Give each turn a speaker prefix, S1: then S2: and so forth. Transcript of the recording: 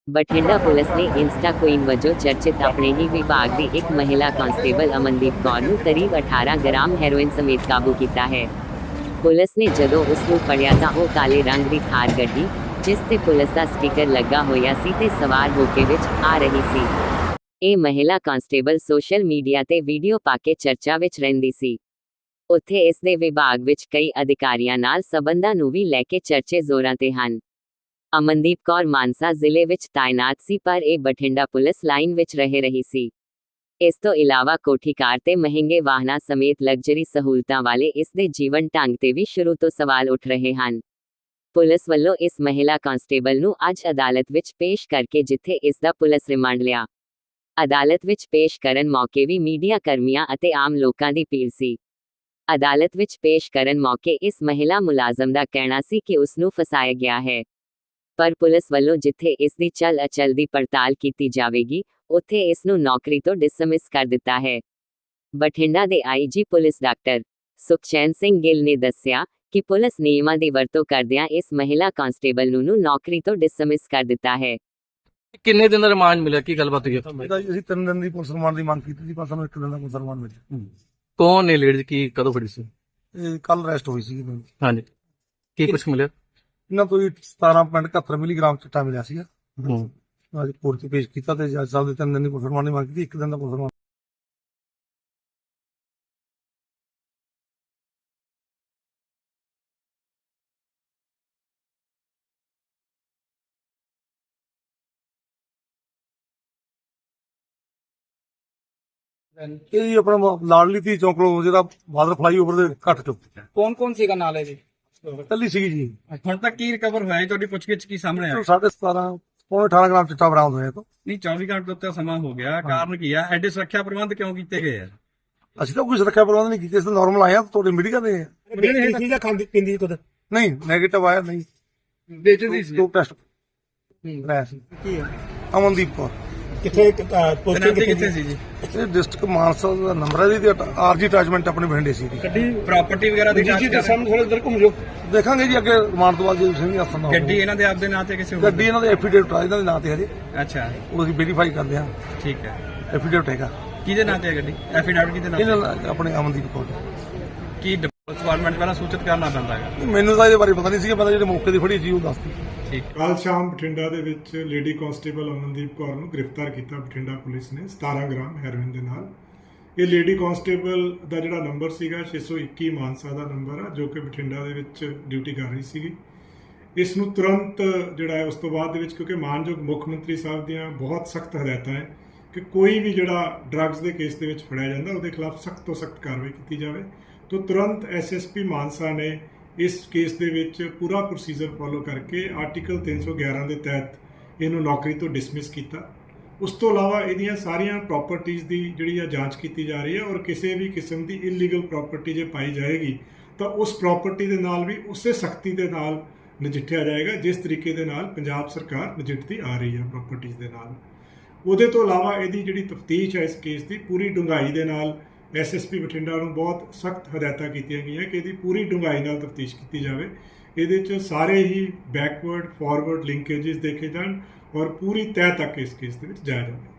S1: Bathinda police ਨੇ insta queen ਵਜੋਂ ਚਰਚਿਤ ਆਪਣੇ ਹੀ ਵਿਭਾਗ ਦੀ ਇੱਕ ਮਹਿਲਾ ਕਾਂਸਟੇਬਲ ਅਮਨਦੀਪ ਕੌਰ ਨੂੰ ਕਰੀਬ 18 ਗ੍ਰਾਮ ਹੈਰੋਇਨ ਸਮੇਤ ਕਾਬੂ ਕੀਤਾ ਹੈ। ਪੁਲਿਸ ਨੇ ਜਦੋਂ ਉਸ ਨੂੰ ਫੜਿਆ ਤਾਂ ਉਹ ਕਾਲੇ ਰੰਗ ਦੀ ਥਾਰ ਗੱਡੀ, ਜਿਸ ਤੇ ਪੁਲਿਸ ਦਾ ਸਟicker ਲੱਗਾ ਹੋਇਆ ਸੀ ਤੇ ਸਵਾਰ ਹੋ ਕੇ ਵਿੱਚ ਆ ਰਹੀ ਸੀ। ਇਹ ਮਹਿਲਾ ਕਾਂਸਟੇਬਲ ਸੋਸ਼ਲ ਮੀਡੀਆ ਤੇ ਵੀਡੀਓ ਪਾ ਕੇ ਚਰਚਾ ਵਿੱਚ ਰਹਿੰਦੀ ਸੀ। ਉੱਥੇ ਇਸ ਦੇ ਵਿਭਾਗ ਵਿੱਚ ਕਈ ਅਧਿਕਾਰੀਆਂ ਨਾਲ ਸਬੰਧਾਂ ਨੂੰ ਵੀ ਲੈ ਕੇ ਚਰਚੇ ਜ਼ੋਰਾਂ ਤੇ ਹਨ। ਅਮਨਦੀਪ ਕੌਰ ਮਾਨਸਾ ਜ਼ਿਲ੍ਹੇ ਵਿੱਚ ਤਾਇਨਾਤ ਸੀ, ਪਰ ਇਹ ਬਠਿੰਡਾ ਪੁਲਿਸ ਲਾਈਨ ਵਿੱਚ ਰਹਿ ਰਹੀ ਸੀ। ਇਸ ਤੋਂ ਇਲਾਵਾ ਕੋਠੀ ਕਾਰ ਤੇ ਮਹਿੰਗੇ ਵਾਹਨਾਂ ਸਮੇਤ ਲਗਜ਼ਰੀ ਸਹੂਲਤਾਂ ਵਾਲੇ ਇਸ ਦੇ ਜੀਵਨ ਢੰਗ ਤੇ ਵੀ ਸ਼ੁਰੂ ਤੋਂ ਸਵਾਲ ਉੱਠ ਰਹੇ ਹਨ। ਪੁਲਿਸ ਵੱਲੋਂ ਇਸ ਮਹਿਲਾ ਕਾਂਸਟੇਬਲ ਨੂੰ ਅੱਜ ਅਦਾਲਤ ਵਿੱਚ ਪੇਸ਼ ਕਰਕੇ ਜਿੱਥੇ ਇਸ ਦਾ ਪੁਲਿਸ ਰਿਮਾਂਡ ਲਿਆ। ਅਦਾਲਤ ਵਿੱਚ ਪੇਸ਼ ਕਰਨ ਮੌਕੇ ਵੀ ਮੀਡੀਆ ਕਰਮੀਆਂ ਅਤੇ ਆਮ ਲੋਕਾਂ ਦੀ ਭੀੜ ਸੀ। ਅਦਾਲਤ ਵਿੱਚ ਪੇਸ਼ ਕਰਨ ਮੌਕੇ ਇਸ ਮਹਿਲਾ ਮੁਲਾਜ਼ਮ ਦਾ ਕਹਿਣਾ ਸੀ ਕਿ ਉਸ ਨੂੰ ਫਸਾਇਆ ਗਿਆ ਹੈ, ਪਰ ਪੁਲਿਸ ਵੱਲੋਂ ਜਿੱਥੇ ਇਸ ਦੀ ਚਲ ਅਚਲ ਦੀ ਪੜਤਾਲ ਕੀਤੀ ਜਾਵੇਗੀ, ਉੱਥੇ ਇਸ ਨੂੰ ਨੌਕਰੀ ਤੋਂ ਡਿਸਮਿਸ ਕਰ ਦਿੱਤਾ ਹੈ। ਬਠਿੰਡਾ ਦੇ IG police doctor Sukhchain Singh Gill ਨੇ ਦੱਸਿਆ ਕਿ ਪੁਲਿਸ ਨਿਯਮਾਂ ਦੀ ਵਰਤੋਂ ਕਰਦਿਆਂ ਇਸ ਮਹਿਲਾ ਕਾਂਸਟੇਬਲ ਨੂੰ ਨੌਕਰੀ ਤੋਂ ਡਿਸਮਿਸ ਕਰ ਦਿੱਤਾ ਹੈ।
S2: ਕਿੰਨੇ ਦਿਨ ਦਾ ਰਿਮਾਂਡ ਮਿਲਿਆ, ਕੀ ਗੱਲਬਾਤ ਹੋਈ ਹੈ?
S3: ਅਸੀਂ 3 ਦਿਨ ਦੀ ਪੁਲਿਸ ਰਿਮਾਂਡ ਦੀ ਮੰਗ ਕੀਤੀ ਸੀ, ਪਰ ਸਾਨੂੰ 1 ਦਿਨ ਦਾ ਪੁਲਿਸ ਰਿਮਾਂਡ ਮਿਲਿਆ।
S2: ਕੌਣ ਨੇ ਲੇਡੀਜ਼, ਕੀ ਕਦੋਂ ਫੜੀ ਸੀ?
S3: ਇਹ ਕੱਲ ਅਰੈਸਟ ਹੋਈ ਸੀ।
S2: ਹਾਂਜੀ, ਕੀ ਕੁਝ ਮਿਲਿਆ?
S3: ਇਹਨਾਂ ਤੋਂ 17.71 ਮਿਲੀਗ੍ਰਾਮ ਚਿੱਟਾ ਮਿਲਿਆ ਸੀਗਾ। ਅੱਜ ਕੋਰਟ 'ਚ ਪੇਸ਼ ਕੀਤਾ ਤੇ ਜੱਜ ਸਾਹਿਬ ਦੇ 3 ਦਿਨ ਦੀ ਪੁਲਿਸ ਰਿਮਾਂਡ ਦੀ ਮੰਗ ਕੀਤੀ, 1 ਦਿਨ ਦਾ ਪੁਲਿਸ ਰਿਮਾਂਡ। ਇਹ ਜੀ ਆਪਣਾ ਲਾਡਲੀ ਧੀ ਚੌਂਕਲੋ ਜਿਹੜਾ ਬਾਦਰ ਫਲਾਈਓਵਰ ਦੇ ਘੱਟ ਚੁੱਕ
S4: ਕੌਣ ਕੌਣ ਸੀਗਾ ਨਾਲ ਇਹਦੇ?
S3: ਕੱਲੀ ਸੀਗੀ ਜੀ।
S4: ਹੁਣ ਤੱਕ ਕੀ ਰਿਕਵਰ ਹੋਇਆ ਜੀ? ਤੁਹਾਡੀ ਪੁੱਛਗਿੱਛ ਕੀ ਸਾਹਮਣੇ ਆਇਆ?
S3: 17.5 ਪੌਣੇ 18 ਗ੍ਰਾਮ ਚਿੱਟਾ ਬਰਾਮਦ ਹੋਇਆ ਤੋਂ।
S4: ਨਹੀਂ, 24 ਘੰਟੇ ਤੋਂ ਉੱਤੇ ਸਮਾਂ ਹੋ ਗਿਆ, ਕਾਰਨ ਕੀ ਆ? ਐਡੇ ਸੁਰੱਖਿਆ ਪ੍ਰਬੰਧ ਕਿਉਂ ਕੀਤੇ ਗਏ ਆ?
S3: ਅਸੀਂ ਤਾਂ ਕੋਈ ਸੁਰੱਖਿਆ ਪ੍ਰਬੰਧ ਨਹੀਂ ਕੀਤੇ, ਅਸੀਂ ਨਾਰਮਲ ਆਏ ਆ। ਤੁਹਾਡੇ ਮੀਡੀਆ ਦੇ
S4: ਖਾਂਦੀ ਕੁਦ
S3: ਨਹੀਂ ਨੈਗੇਟਿਵ ਆਇਆ, ਨਹੀਂ
S4: ਵੇਚਦੀ ਸੀ।
S3: 2 ਟੈਸਟ ਕਰਾਇਆ ਸੀ।
S4: ਕੀ ਆ?
S3: ਅਮਨਦੀਪ ਕੌਰ
S4: ਕਿੱਥੇ ਕਿੱਥੇ ਸੀ ਜੀ?
S3: ਇਹ ਡਿਸਟ੍ਰਿਕਟ ਮਾਨਸਾ ਦਾ ਨੰਬਰ ਹੈ ਜੀ, ਆਰਜੀ ਅਟੈਚਮੈਂਟ ਆਪਣੇ ਬਠਿੰਡੇ ਸੀ।
S4: ਗੱਡੀ ਪ੍ਰਾਪਰਟੀ ਵਗੈਰਾ ਦੀ ਜਾਂਚ ਕਰ
S3: ਸਾਹਮਣੇ ਥੋੜਾ ਇੱਧਰ ਘੁੰਮ ਜਾਓ, ਦੇਖਾਂਗੇ ਜੀ ਅੱਗੇ ਰਿਮਾਂਡ ਤੋਂ ਬਾਅਦ ਜੇ ਤੁਸੀਂ ਵੀ ਆਸਨ ਨਾ
S4: ਗੱਡੀ ਇਹਨਾਂ ਦੇ ਆਪਦੇ ਨਾਂ ਤੇ ਕਿਸੇ ਹੋਰ?
S3: ਗੱਡੀ ਇਹਨਾਂ ਦੇ ਐਫੀਡੇਵਿਟ ਆ, ਇਹਨਾਂ ਦੇ ਨਾਂ ਤੇ ਹਜੇ
S4: ਅੱਛਾ,
S3: ਉਹ ਅਸੀਂ ਵੈਰੀਫਾਈ ਕਰਦੇ ਹਾਂ।
S4: ਠੀਕ ਹੈ।
S3: ਐਫੀਡੇਵਿਟ ਹੈਗਾ
S4: ਕਿਹਦੇ ਨਾਂ ਤੇ ਹੈ ਗੱਡੀ? ਐਫੀਡੈਵਿਟ ਕਿਹਦੇ ਨਾਂ ਤੇ?
S3: ਇਹਨਾਂ ਨਾਲ ਆਪਣੇ ਅਮਨਦੀਪ ਕੌਰ।
S4: ਕੀ ਡਿਪਾਰਟਮੈਂਟ ਪਹਿਲਾਂ ਸੂਚਿਤ ਕਰਨਾ ਪੈਂਦਾ ਹੈ?
S3: ਮੈਨੂੰ ਤਾਂ ਇਹਦੇ ਬਾਰੇ ਪਤਾ ਨਹੀਂ ਸੀਗਾ, ਪਤਾ ਜਿਹੜੇ ਮੌਕੇ ਦੀ ਫੜੀ ਸੀ ਉਹ ਦੱਸਦੀ।
S4: ਠੀਕ।
S5: ਕੱਲ੍ਹ ਸ਼ਾਮ ਬਠਿੰਡਾ ਦੇ ਵਿੱਚ ਲੇਡੀ ਕਾਂਸਟੇਬਲ ਅਮਨਦੀਪ ਕੌਰ ਨੂੰ ਗ੍ਰਿਫਤਾਰ ਕੀਤਾ ਬਠਿੰਡਾ ਪੁਲਿਸ ਨੇ 17 ਗ੍ਰਾਮ ਹੈਰੋਇਨ ਦੇ ਨਾਲ। ਇਹ ਲੇਡੀ ਕਾਂਸਟੇਬਲ ਦਾ ਜਿਹੜਾ ਨੰਬਰ ਸੀਗਾ 621 ਮਾਨਸਾ ਦਾ ਨੰਬਰ ਆ, ਜੋ ਕਿ ਬਠਿੰਡਾ ਦੇ ਵਿੱਚ ਡਿਊਟੀ ਕਰ ਰਹੀ ਸੀਗੀ। ਇਸ ਨੂੰ ਤੁਰੰਤ ਜਿਹੜਾ ਹੈ ਉਸ ਤੋਂ ਬਾਅਦ ਦੇ ਵਿੱਚ, ਕਿਉਂਕਿ ਮਾਨਯੋਗ ਮੁੱਖ ਮੰਤਰੀ ਸਾਹਿਬ ਦੀਆਂ ਬਹੁਤ ਸਖਤ ਹਦਾਇਤਾਂ ਹੈ ਕਿ ਕੋਈ ਵੀ ਜਿਹੜਾ ਡਰੱਗਸ ਦੇ ਕੇਸ ਦੇ ਵਿੱਚ ਫੜਿਆ ਜਾਂਦਾ ਉਹਦੇ ਖਿਲਾਫ ਸਖਤ ਤੋਂ ਸਖਤ ਕਾਰਵਾਈ ਕੀਤੀ ਜਾਵੇ। ਤੋਂ ਤੁਰੰਤ ਐਸਐਸਪੀ ਮਾਨਸਾ ਨੇ ਇਸ ਕੇਸ ਦੇ ਵਿੱਚ ਪੂਰਾ ਪ੍ਰੋਸੀਜਰ ਫੋਲੋ ਕਰਕੇ ਆਰਟੀਕਲ 311 ਦੇ ਤਹਿਤ ਇਹਨੂੰ ਨੌਕਰੀ ਤੋਂ ਡਿਸਮਿਸ ਕੀਤਾ। ਉਸ ਤੋਂ ਇਲਾਵਾ ਇਹਦੀਆਂ ਸਾਰੀਆਂ ਪ੍ਰਾਪਰਟੀਆਂ ਦੀ ਜਿਹੜੀ ਆ ਜਾਂਚ ਕੀਤੀ ਜਾ ਰਹੀ ਹੈ, ਔਰ ਕਿਸੇ ਵੀ ਕਿਸਮ ਦੀ ਇਲੀਗਲ ਪ੍ਰਾਪਰਟੀ ਜੇ ਪਾਈ ਜਾਏਗੀ ਤਾਂ ਉਸ ਪ੍ਰਾਪਰਟੀ ਦੇ ਨਾਲ ਵੀ ਉਸੇ ਸਖਤੀ ਦੇ ਨਾਲ ਨਜਿੱਠਿਆ ਜਾਏਗਾ ਜਿਸ ਤਰੀਕੇ ਦੇ ਨਾਲ ਪੰਜਾਬ ਸਰਕਾਰ ਨਜਿੱਠਦੀ ਆ ਰਹੀ ਹੈ ਪ੍ਰਾਪਰਟੀਆਂ ਦੇ ਨਾਲ। ਉਹਦੇ ਤੋਂ ਇਲਾਵਾ ਇਹਦੀ ਜਿਹੜੀ ਤਫਤੀਸ਼ ਹੈ ਇਸ ਕੇਸ ਦੀ ਪੂਰੀ ਡੂੰਘਾਈ ਦੇ ਨਾਲ ਐਸਐਸਪੀ ਬਠਿੰਡਾ ਨੂੰ ਬਹੁਤ ਸਖਤ ਹਦਾਇਤਾਂ ਕੀਤੀਆਂ ਗਈਆਂ ਕਿ ਇਹਦੀ ਪੂਰੀ ਡੂੰਘਾਈ ਨਾਲ ਤਫਤੀਸ਼ ਕੀਤੀ ਜਾਵੇ। ਇਹਦੇ 'ਚ ਸਾਰੇ ਹੀ ਬੈਕਵਰਡ ਫਾਰਵਰਡ ਲਿੰਕੇजेस ਦੇਖੇ ਜਾਣ ਔਰ ਪੂਰੀ ਤਹਿ ਤੱਕ ਇਸ ਕੇਸ ਦੇ ਵਿੱਚ ਜਾਇਆ ਜਾਵੇ।